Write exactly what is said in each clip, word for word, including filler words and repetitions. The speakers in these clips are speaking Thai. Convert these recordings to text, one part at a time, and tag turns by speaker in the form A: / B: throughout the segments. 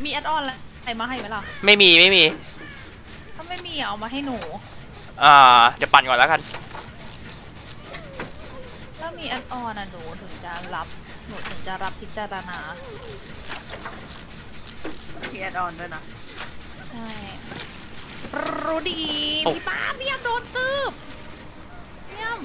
A: มีแอดออนอะไรมาให้ไหมล่ะ
B: ไม่มีไม่มี
A: ถ้าไม่มีเอามาให้หนู
B: อ่าเดี๋ยวปั่นก่อนแล้วกัน
A: ถ้ามีแอดออนอ่ะหนูถึงจะรับหนูถึงจะรับพิจารณา
C: มีแอดออนด้วยนะ
A: ใช่รู้ดีพี่ป้าพี่ยมโดนตืบพี่ยม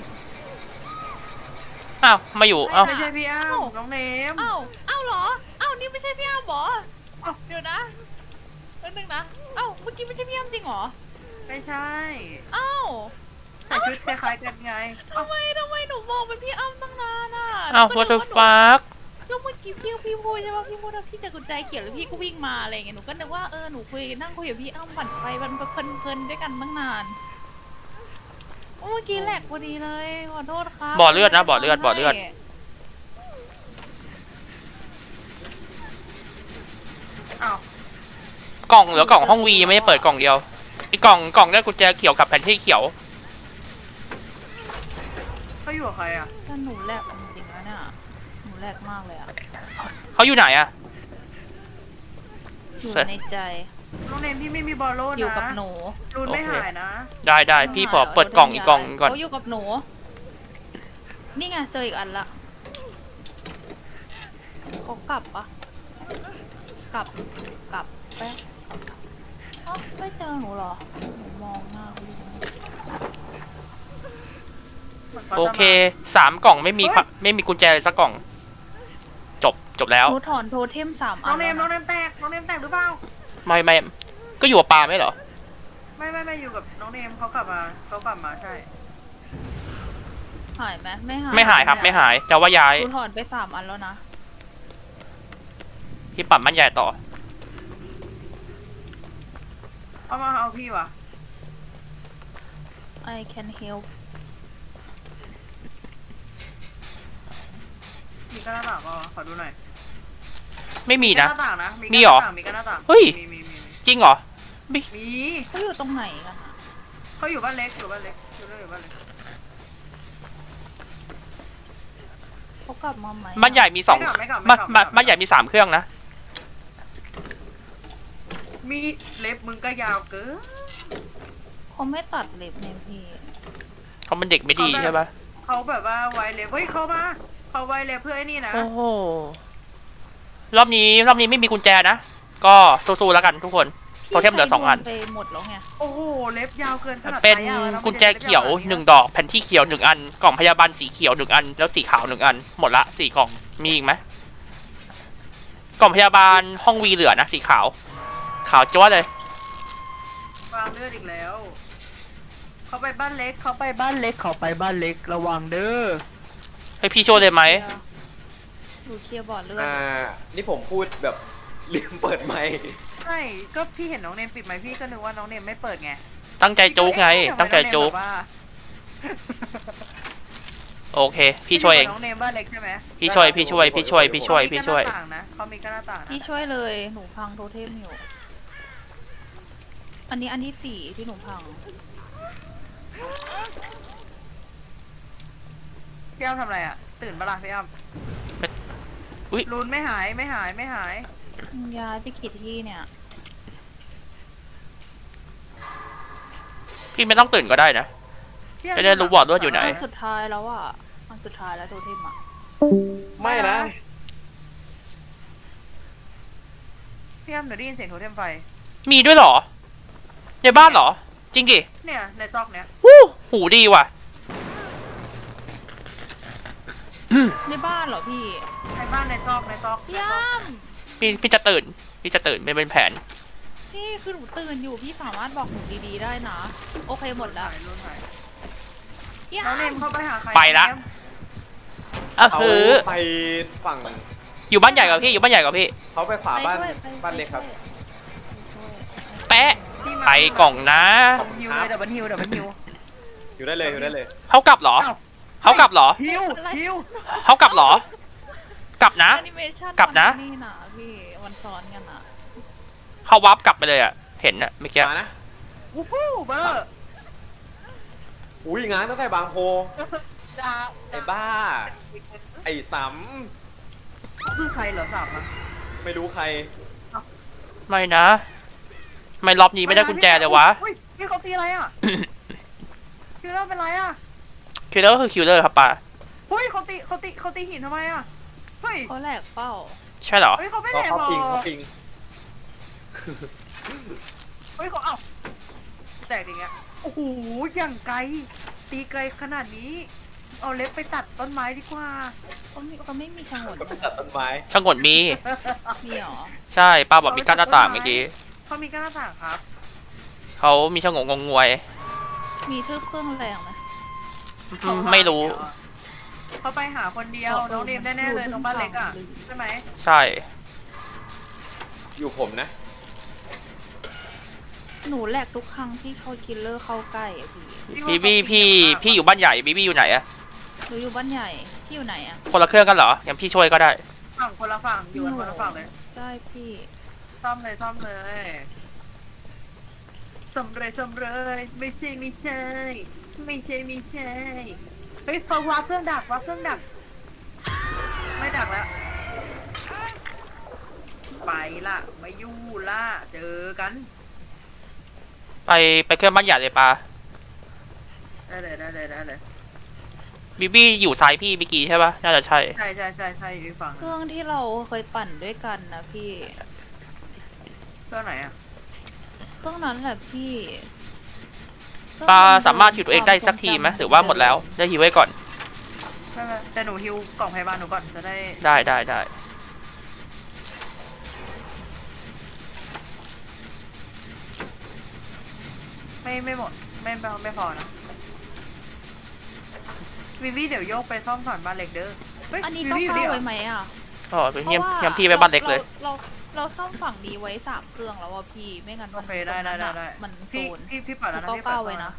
B: อ้าวมาอยู่อ้าว
C: ไม่ใช่พี่อ้าวน้องเนม
A: อ้าวอ้าวเหรออ้าวนี่ไม่ใช่พี่อ้าวหรอเดี๋ยวนะแป๊บนึงนะอ้าวเมื่อกี้ไม่ใช่พี่อ้าวจริงเหรอ
C: ไม่ใช่
A: อ้าว
C: ใส่ชุดคล้ายๆกันไง
A: ทำไมทำไมหนูมองเป็นพี่อ้ำตั้งนานอ่ะ
B: อ้าว what the fuck
A: ก็เมื่อกี้พี่พี่พูดใช่ป่ะพี่พูดว่าพี่จะกุญแจเขียวแล้วพี่ก็วิ่งมาอะไรอย่างเงี้ยหนูก็นึกว่าเออหนูคุยนั่งคุยกับพี่อ้ำปั่นไปมันเพลินๆด้วยกันตั้งนานเมื่อกี้แหลกพอดีเลยขอโทษครับ
B: บ่อเลือดนะบ่อเลือดบ่อเลือด
C: อ้าว
B: กล่องเหลือกล่องห้องวียังไม่ได้เปิดกล่องเดียวไอ้กล่องกล่องได้กุญแจเขียวกับแผ่นที่เขียว
C: เขาอยู่กับใครอ่ะ
A: แต่หนูแหลกจริงๆแล้วเนี่ยหนูแหลกมากเลยอ่ะ
B: เขาอยู่ไหนอะ
A: อยู่ในใจ
C: น้องเนมพี่ไม่มีบอลโล่นะ
A: อยู่กับหนู
C: รุนไม่หายนะ
B: ได้ได้พี่พอเปิดกล่องอีกกล่องก่อน
A: เขาอยู่กับหนูนี่ไงเจออีกอันละเขากลับปะกลับกลับไปอ๋อไม่เจอหนูเหรอหนูมองหน้า
B: โอเคสามกล่องไม่มีไม่มีกุญแจเลยสักกล่องจบจบแล้ว
A: หนูถอนโทเทมสามอัน
C: น้องเนมน้องเนมแตกน้องเนมแตกหรือเปล่า
B: ไม่ไม่ก็อยู่กับปลาไม่เหรอ
C: ไม่ไม่ไม่อยู่กับน้องเนมเขากลับมาเขากลับมาใช่
A: หายไหมไม่หาย
B: ไม่หายครับไม่หายแต่ว่าย้าย
A: หนูถอนไปสามอันแล้วนะ
B: พี่ปั่นมันใหญ่ต่อ
C: เอามาเอาพี่วะ
A: I can help
C: มีกระต่างก็ขอดูหน่อย
B: ไม่มีนะ
C: มี
B: เหรอ
C: มีกระต่าง
B: เฮ้ยจริงเหรอ
C: มี
A: เขาอยู่ตรงไหนกัน
C: เขาอยู่บ้านเล็กอยู่บ้านเล็กอยู่ด้วยอยู่บ้านเล็ก
A: เขากลับมาไหม
B: บ้านใหญ่มีสองบ้านบ้านใหญ่มีสามเครื่องนะ
C: มีเล็บมึงก็ยาวเกิน
A: เขาไม่ตัดเล็บเนี่ยพี่
B: เขาเป็นเด็กไม่ดีใช่ปะ
C: เขาแบบว่าไวเล็บเฮ้ยเขามาเขาไวเล็บเพื่อไอ้นี่นะ
B: โอ้โหรอบนี้รอบนี้ไม่มีกุญแจนะก็สู้ๆแล้วกันทุกคนโทเทมเหลือสองอัน
A: ไปหมดแล้วไง
C: โอ้โหเล็บยาวเกินขนาด
B: เป็นกุญแจเขียวหนึ่งดอกแผ่นที่เขียวหนึ่งอันกล่องพยาบาลสีเขียวหนึ่งอันแล้วสีขาวหนึ่งอันหมดละสี่กล่องมีอีกไหมกล่องพยาบาลห้องวีเหลือนะสีขาวขาวจ้วเลยว
C: างเลือดอีกแล้วเขาไปบ้านเล็กเขาไปบ้านเล็กเขาไปบ้านเล็กระวังเด้อ
B: ให้พี่ช่วยเลยไหม
A: ดูเคลียร์บอร์ดเลือด
D: อ่านี่ผมพูดแบบลืมเปิดไมค์
C: ใช่ก็พี่เห็นน้องเนมปิดไมค์พี่ก็นึกว่าน้องเนมไม่เปิดไง
B: ตั้งใจจุกไงตั้งใจจุกโอเคพี่ช่วยเอง
C: น้องเนมบ้านเล็กใช่ไหม
B: พี่ช่วยพี่ช่วยพี่ช่วยพี่ช่วยพี่ช่วย
C: เขามีกระต่าง
A: พี่ช่วยเลยหนูพังโทเทมอยู่อันนี้อันที่สี่ที่หนูพัง
C: พี่อ้ำทำอะไรอ่ะตื่นปะล่ะพี่อ้ำลุ้นไม่หายไม่หายไม่หาย
A: ย้ายไปกี่ที่เนี่ย
B: พี่ไม่ต้องตื่นก็ได้นะจะได้รู้บอร์ดว่าอยู่ไหน
A: สุดท้ายแล้วอ่ะอันสุดท้ายแล้วโทเทมอ่ะ
D: ไม่นะ
C: พี่อ้ำเดี๋ยวได้ยินเสียงโทเทมไฟ
B: มีด้วยเหรอในบ้านเหรอจริงดิ
C: เนี่ยในซอกเนี้ย
B: หูหูดีว่ะ
A: ในบ้านเหรอพี่
C: ในบ้านในซอกในซอก
A: ย่
B: ำพี่พี่จะตื่นพี่จะตื่นไม่เป็นแผน
A: พี่คือหนูตื่นอยู่พี่สามารถบอกหนูดีๆได้นะโอเคหมดแล้ว
C: น้องเนมเข้าไปหาใคร
B: ไปละอ่ะคือ
D: ไปฝั่ง
B: อยู่บ้านใหญ่กับพี่อยู่บ้านใหญ่กับพี่
D: เขาไปขวาบ้านบ้านเล็กครับ
B: แปะไปกล่องนะ
C: ฮิวเลยดับเบิลฮิวดับเบิลฮิว
D: อยู่ได้เลยอยู่ได้เลย
B: เขากลับเหรอเขากลับเหรอ
C: ฮิวฮิว
B: เขากลับเหรอกลับนะกลับนะ
A: นี่นะพี่วันซ้อนกันอ่ะ
B: เขาวับกลับไปเลยอ่ะเห็นอ่ะเมื่อกี้
D: นะ
C: วูฟูเบอร์
D: อุ้ยงานตั้งแต่บางโพไอ้บ้าไอ้สำ
C: คือใครเหรอสามอ่ะ
D: ไม่รู้ใคร
B: ไม่นะไม่รอบนี้ไม่ได้กุญแจเลยวะ
C: เฮ้ยพี่เขาตีอะไรอ่ะ คิวเลอร์เป็นไรอ่ะ
B: คิลเลอร์คือคิลเลอร์ครับป้า
C: เฮ้ยเขาตีเขาตีเขาตีหินทำไมอ่ะ เฮ้ย
A: เขาแหลกเป้า
B: ใช่เหรอ
C: เฮ้ยเขาไม่
D: เขา
C: แหลก
D: เขา
C: หรอ
D: ปิงเขาปิง
C: เฮ้ยเขาเอ้าแตกอย่างเงี้ย โอ้โห อย่างไกล ตีไกลขนาดนี้ เอาเล็บไปตัดต้นไม้ดีกว่า
A: เขาไม่เขาไม่มีฉงน
D: ก็ไปตัดต้นไม้
B: ช่างกดมี
A: มีหรอ
B: ใช่ป้าบอกมีกั้นหน้าต่างเมื่อกี้
C: เขามีก้านหน้าต่างครับ
B: เขามีช่างงงงวย
A: มีทืบเครื่องแรงไหม
B: อืมไม่รู้
C: เขาไปหาคนเดียว น้องเนมแน่ๆเลยตรงบ้านเล็กอ่ะ ใช่ไหม
B: ใช่
D: อยู่ผมนะ
A: หนูแหลกทุกครั้งที่เขาคิลเลอร์เข้าใกล้อะพี่
B: บีบี้พี่พี่อยู่บ้านใหญ่บีบี้อยู่ไหนอะ
A: หนูอยู่บ้านใหญ่พี่อยู่ไหนอะ
B: คนละเครื่องกันเหรองั้นพี่ช่วยก็ได้
C: ฝั่งคนละฝั่ง อยู่กันคนละฝั่งเลย
A: ได้พี่
C: ซ่อมเลยซ่อมเลยสำเร็จสำเร็จไม่ใช่ไม่ใช่ ไม่ใช่ไม่ใช่เฮ้ยเขาวัดเครื่องดักวัดเครื่องดัก ไม่ดักแล้ว ไปละไม่อยู่ละเจอกัน
B: ไปไปเครื่องบ้านใหญ่เลยป้า
C: ได้เลยได้เลยได้เลย
B: บีบี้อยู่ซ้ายพี่เมื่อกี้ใช่ปะน่าจะใช่
C: ใช่ใช่ใช่ใช่อยู่อีกฝั่งห
A: เค
C: นึ่ง
A: รื่องที่เราเคยปั่นด้วยกันนะพี่
C: เครื่องไหนอ่ะ
A: เครื่องนั้นแหละพี่
B: ปาสามารถฮิวตัวเองได้สักทีไหมหรือว่าหมดแล้วได้ฮิวไว้ก่อน
C: ไม่ไม่แต่หนูฮิวกล่องพยาบาลหนูก่อนจะได้
B: ได้ได้ได้
C: ไม่ไม่หมดไม่ไม่ไม่พอนะวิวีเดี๋ยวโยกไปซ่อมผ่านบ้านเล็กเด้อเฮ้ย
A: อันนี้
C: วิ
A: ต้อง
C: วีอยู่
A: เข้า
C: นี่เหร
A: ไว้
C: อ
A: ไหมอ่ะ
B: อ๋อเป็นเยี่ยม
A: พราะว่า
B: เยี่ยมพี่ไปบ้านเล็กเลย
A: เราเราเราเราซ่อมฝั่งนี้ไว้สามเครื่องแล้วว่าพี่ไม่งั้น
C: โอ
A: มัน
C: เคได้ได้ได้ได้
A: มันโซ
C: พี่
A: น
C: พี่พี่ปัดแล้วนะ
A: เก้า
C: พี่ปัด
A: เก้าไว้นะ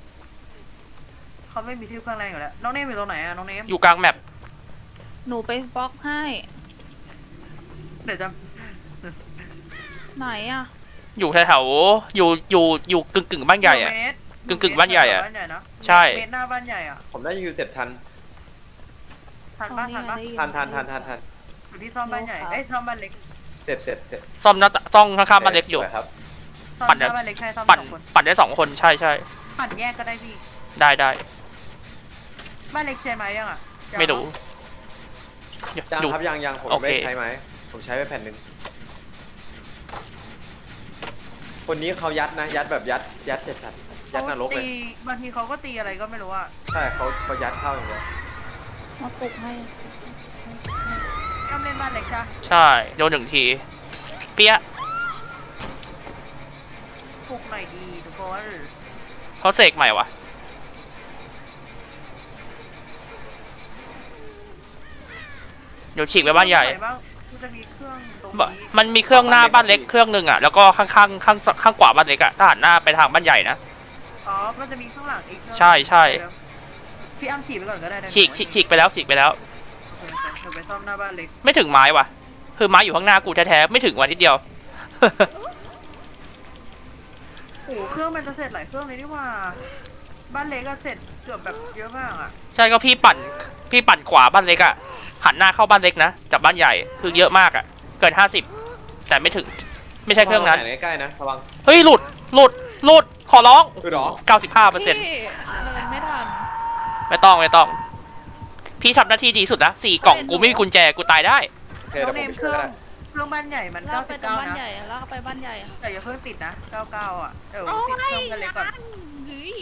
C: เขาไม่มีที่เครื่องแรงอยู่แล้วน้องเนมอยู่ตรงไหนอะน้องเนม
B: อยู่กลางแมป
A: หนูไปบล็อกให้
C: เดี๋ยวจะ
A: ไหนอ่ะ
B: อยู่แถวๆอยู่อยู่อยู่กึ่งกึ่งบ้านใหญ่อะ
C: เมตร
B: กึ่งกึ่งบ้านใหญ่อะ
C: บ้านใหญ่นะ
B: ใช่
C: เมตรหน้าบ้านใหญ่อะ
D: ผมได้ฮิวเสร็จทัน
C: ทันบ้านทันบ้าน
D: ทันทันทันทันทัน
C: อยู่ที่ซ่อมบ้านใหญ่เอ้ยซ่อมบ้านเล็ก
D: เสร็จเสร็จเสร็จ
B: ซ่อมหน้าตต้องข้างๆบ้านเล็กอยู่
D: สวครับ
C: ซ่อม
B: ปั่น
C: หน้าบ้านเล็กใช่ซ่อม
B: ปั่น
C: สองคน
B: ปั่นได้สองคนใช่ใช่
C: ปั่นแยกก็ได้พี่
B: ได้ได้
C: บ้านเล็กใช่ไหมยังอะยัง
B: ไม่รู้อยู่
D: ยัง
B: อยู่
D: ครับยังยังผม
B: โอเค
D: ไม่ได้ใช้ไหมผมใช้ไปแผ่นหนึ่งคนนี้เขายัดนะ ยัดแบบยัดยัดเจ็ดจัดยัดนรกเลย
C: ตีบางทีเขาก็ตีอะไรก็ไม่รู้อะ
D: ใช่เขาเขายัดเข้าอย่างเดียว
A: มาปลุกให้
C: ย่อมเล่นบ้านเล็กใช่ปะ
B: ใช่โดนหนึ่งที เปี้ย
C: ปลุกหน่อยดีทุกคน
B: เขาเสกใหม่วะเดี๋ยวฉีกไปบ้านใหญ่
C: ไหบ้างมันจะมีเครื่องตรง
B: บ
C: นี้
B: มันมีเครื่องหน้าบ้านเล็กเครื่องหนึ่งอ่ะแล้วก็ข้างๆข้างข้างขวาบ้านเล็กอ่ะถ้าหันหน้าไปทางบ้านใหญ่นะ
C: อ๋อ มันจะมีข้างหลังอีกเครื่อง
B: ใช่ใช่
C: เดี๋ยวพี่อ้ำฉีกไปก่อนก็ได้นะ
B: ฉีกฉีกฉีกไปแล้วฉีกไปแล้ว
C: โอเคเดี๋ยวไปซ่อมหน้าบ้านเล็ก
B: ไม่ถึงไม้ว่ะคือไม้อยู่ข้างหน้ากูแท้ๆไม่ถึงวันนิดเดียว
C: โอ้โหเครื่องมันจะเสร็จหลายเครื่องเลยนี่หว่า บ้านเล็กก็เสร็จเกือบแบบเยอะมากอ่ะ
B: ใช่ก็พี่ปั่นพี่ปั่นขวาบ้านเล็กอ่ะหันหน้าเข้าบ้านเล็กนะจากบ้านใหญ่คือเยอะมากอ่ะเกินห้าสิบแต่ไม่ถึงไม่ใช่เครื่องนั้น
D: ไหนใกล้ๆนะระวัง
B: เฮ้ยหลุดหลุดหลุดขอร้อง
D: คือหรอ
B: เก้าสิบห้าเปอร์เซ็นต์
A: พี่เดินไม่ทัน
B: ไม่ต้องไม่ต้อง พี่ทำหน้าที่ดีสุดนะสี่กล่องกูไม่มีกุญแจกูตายได้
D: โอเค
C: น้อ
D: เดี๋
C: ง
D: ยว
C: เน
D: ผม
C: ม
D: ไป
C: เค
D: ช่
C: รื่
D: วย
C: อง
D: ก็ได้
C: เครื่องบ้านใหญ่มัน
A: ลากไปตรง
C: เก้าสิบเก้า
A: บ้าน
C: นะ
A: ใหญ่ลากไปบ้านใหญ่
C: แต่อย่าเพิ่งติดนะเก้าสิบเก้าอ่ะ เดี๋ยว
A: โอ้
C: ติดเครื่อง
A: ย
C: บ้านเล็กก่อน
A: เฮ้ย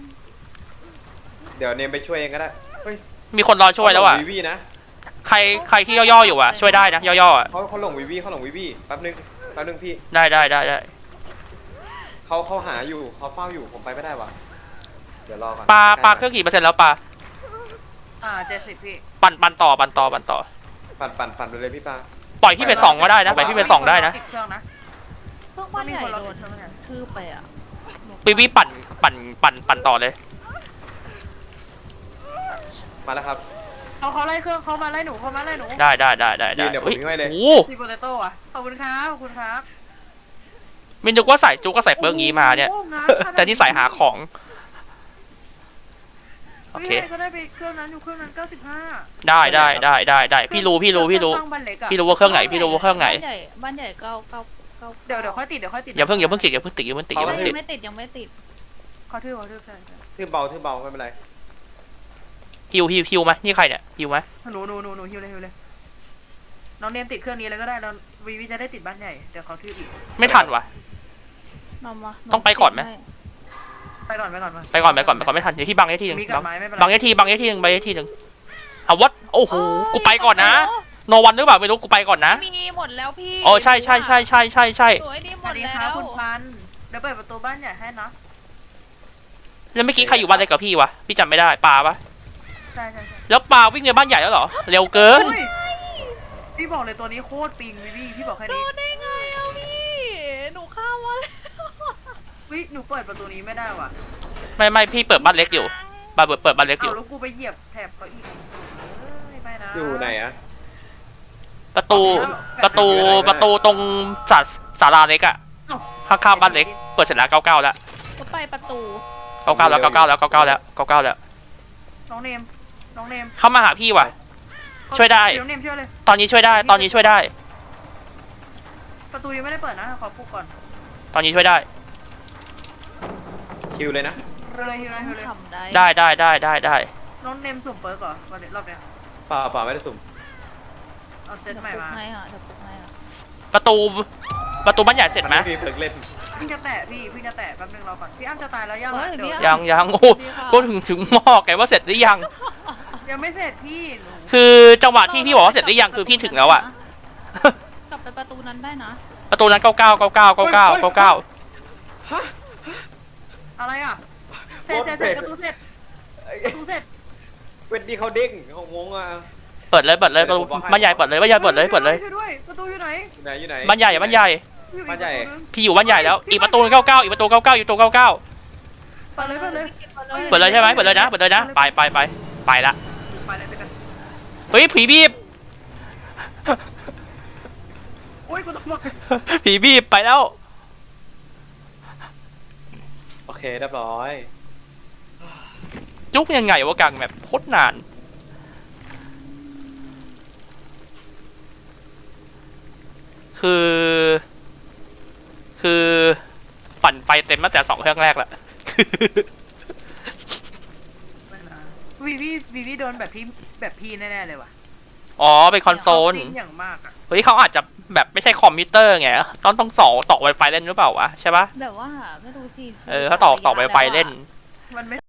D: เดี๋ยวเนมไปช่วยเองก็ได้เฮ้ย
B: มีคนรอช่วยแล้วอ่ะ
D: เขาหงวีวีนะ
B: ใครใครที่ย่อๆอยู่อ่ะช่วยได้นะย่อๆอ่ะ
D: เขาเขาหลงวีวีเขาหลงวีวีแป๊บนึงแป๊บนึงพี่
B: ได้ได้ได้ได้
D: เขาเขาหาอยู่เขาเฝ้าอยู่ผมไปไม่ได้ว่ะเดี๋ยวรอก่อน
B: ปลาปลาเครื่องกี่เปอร์เซ็นต์แล้วปลา
C: อ่าเจ็ดสิบพี่
B: ปั่นปั่นต่อปั่นต่อปั่นต่อ
D: ปั่นปั่นปั่นไปเลยพี่ปลา
B: ปล่อยพี่ไปสองก็ได้นะปล่อยพี่ไปสองได้นะ
C: ติดเครื่องนะ
A: เครื่องบ้านใหญ่
C: มีคนรอ
A: โด
C: ติ
A: น
C: ดเครื่องเนี่ย
A: ทืบไปอ่ะ
B: วิวิปั่นปั่นปั่นปั่นต่อเลย
D: มาแล้วครับ
C: เขาเขาไล่เครื่องเขามาไล่หนูเขามาไล่หนู
B: ได้ได้ได้ได้ได้
D: ยืนเดี๋ยวผม
B: เฮ้ย
D: วิ่งไว้เลย
B: โอ้โห
C: ซีโปเตโต้อะขอบคุณครับขอบคุณครับ
B: มินนึกว่าใส่จุกก็ใส่เปิ้งงี้มาเนี่ย
C: โอ้โหงานขนาด
B: แต่นี่ใส่หาของโอเค
C: พี่ก็ได้ไปเครื่องนั้นอยู่เครื่องนั้นเก้าสิบห้า
B: ได้ได้ได้ได้ได้พี่รู้พี่รู้พี่รู้
C: เคองบ้านเล็กอะ
B: พี่รู้ว่าเครื่องไหนพี่รู้ว่าเครื่องไหน
A: บ้านใหญ่บ้านใหญ่เก้าเก้าเก้า
C: เดี๋ยวเดี๋ยวค่อยติดเดี๋ยวค่อยติด
B: อย่าเพิ่งอย่าเพิ่งติดอย่าเพิ่งติดอย่าเพิ่งติดอย่า
A: เฮ้
B: เพิ่
A: ย
B: ง
A: ยั
B: ติด
A: งไม่ติดยังไม่ติด
C: เขาทื่อเขาทื่อใช่ใช่
D: ทื่อเบาทื่อเบาไม่เป็นไร
B: ฮิวฮิวฮิวไหมนี่ใครเนี่ยฮิวไหม
C: หนูหนูหนูหนูฮิวเลยฮิวเลยน้องเนมติดเครื่องนี้เลยก็ได้แล้ววีวีจะได้ติดบ้านใหญ่เดี๋ยวเขาทื่ออีก
B: ไม่ทันวะ
A: มามา
B: ต้องไปก่อนไหม
C: ไปก่อนไปก่อนมา
B: ไปก่อนไปก่อนไปก่อนไม่ทันเดี๋ยวที่บังได้ทีหนึง
C: มีกั
B: บั
C: บ
B: ง
C: ไม้ไม่เป็นไร
B: บังได้ทีบังได้ทีหนึงไปได้ทีหนึงเอาวัดโอ้โหกูไปก่อนนะโนวันหรือเปล่าไม่รู้กูไปก่อนนะ
A: มีหมดแล้วพี่
B: โอ้ใช่ใช่ใช่ใช่ใช่ใช่
A: สวยดีห
C: ส
A: ม
C: วั
A: ด
C: สดี
A: แล้
C: ครับ
A: ว
C: คุณพันธุ์เดี๋ยวเปิดประตูบ้านใหญ่ให้นะ
B: แล้วเมื่อกี้ใครอยู่บ้านเล็กกับพี่วะพี่จำไม่ได้ปาปะ
C: ใช่ใช่ใช่
B: แล้วปาวิ่งในบ้านใหญ่แล้วเหรอเร็วเกิน
C: อุ้ยพี่บอกเลยตัวนี้โคตรปิงวีวีพี่บอกแค่
A: โด
C: นี้
A: นได้ไงอ่ะพี่หนูข้ามมาแล้ว
C: วิหนูเปิดประตูนี้ไม่ได้ว่ะ
B: ไม่ไม่พี่เปิดบ้านเล็กอยู่บ้านเปิดเปิดบ้านเล็กอ
C: เอา
B: ยู่
C: แล้วกูไปเหยียบแถบเขาอีกเอ้ยไม่นะ
D: อยู่ไหนอะ
B: ประตูประตูประตูตรงศาศาลาเล็กอะ
C: เอ้า
B: ข้างๆบ้านเล็กเปิดเสร็จแล้วเก้าเก้าแล้ว
A: ก็ไปประตู
B: เก้าเก้าแล้วเก้าเก้าแล้วเก้าเก้าแล้วเก้าเก้าแล้ว
C: น้องเนมน้องเนม
B: เข้ามาหาพี่ว่ะ ช่วยได้
C: น้องเนมช่วยเลย
B: ตอนนี้ช่วยได้ ตอนนี้ช่วยได้
C: ประตูยังไม่ได้เปิดนะขอปุ๊บก่อน
B: ตอนนี้ช่วยได้
D: คิวเลยนะ
C: เร็วเลยฮิวเลยฮิวเลย
A: ทำได้
B: ได้ได้ได้ได้ได้
C: น้องเนมสุ่มเปิร์กเหรอวันนี้รอบเนี้ย
D: เปล่าเปล่าไม่ได้สุ่ม
C: เอาเซ
A: เดี๋
C: ต
A: ยว
C: ใหม่
A: ปลุก
C: มา
A: ให้อ่ะเดี๋ยวปลุกให้อ่ะ
B: ประตูประตูบ้านใหญ่เสร็จไหม
D: นมีเพิกเล่น
C: พี่จะแตะพี่พี่จะแตะแป๊บนึงรอก่อนพี่อ้ำจะตายแล้วยัง
A: เฮ้
C: อะ
A: ย
C: เดี๋ยว
A: พี่
B: ยังยังโอ้ก็ถึงถึงบอกไงว่าเสร็จหรือยัง
C: ยังไม่เสร็จพี่หนู
B: คือจังหวะที่พี่บอกว่าเสร็จหรือยังคือพี่ถึงแล้วอะ
A: กลับไปประตูนั้นได้นะ
B: ประตูนั้นเก้าเก้าเก้าเก้าเก้าเก้าเก้าเก้า
D: ฮะ
C: อะไรอ่ะเสร็จเสร็จเสร็จประตูเสร็จ
D: เอ้ย
C: ประตูเสร็จ
D: เฟดดี้เขาเด้งเขางงอ่ะ
B: เปิดเลยเปิดเลยประตูบ้านใหญ่เปิดเลยบ้านใหญ่เปิดเลยเปิดเลย
C: ช่วยด้วยประตูอยู่ไหน
D: อยู่ไหนอยู่ไหน
B: บ้านใหญ่บ้านใหญ่
C: อยู่อีก
D: บ้านใหญ่
C: ประตูนึง
B: พี่อยู่บ้านใหญ่แล้วอีกประตูเก้าเก้าอีกประตูเก้าเก้าอีกประตูเก้าเก้า
C: เปิดเลยเปิดเลย
B: เปิดเลยใช่ไหมเปิดเลยนะเปิดเลยนะไปไปไปไปละ
C: ไปเลยไปกัน
B: เฮ้ยผีบีบ
C: โอ้ยกูต้องมา
B: ผีบีบไปแล้ว
D: โอเคเรียบร้อย
B: จุกยังไงวะกังแบบโคตรนาน คือ คือปั่นไฟเต็มตั้งแต่สองเครื่องแรกแล้ว
C: วีวีวีวีโดนแบบพี่แบบพี่แน่ๆเลยว่ะ
B: อ๋อเป็นคอนโซล
C: จริงอย่างมากอ่ะ
B: เฮ้ยเขาอาจจะแบบไม่ใช่คอมพิวเตอร์ไงต้องต้องสองต่อ Wi-Fi เล่นหรือเปล่าวะใช่ปะ
A: แบบว่าไม่รู้สิ
B: เออเขาต่อต่อ Wi-Fi เล่น
C: มันไม่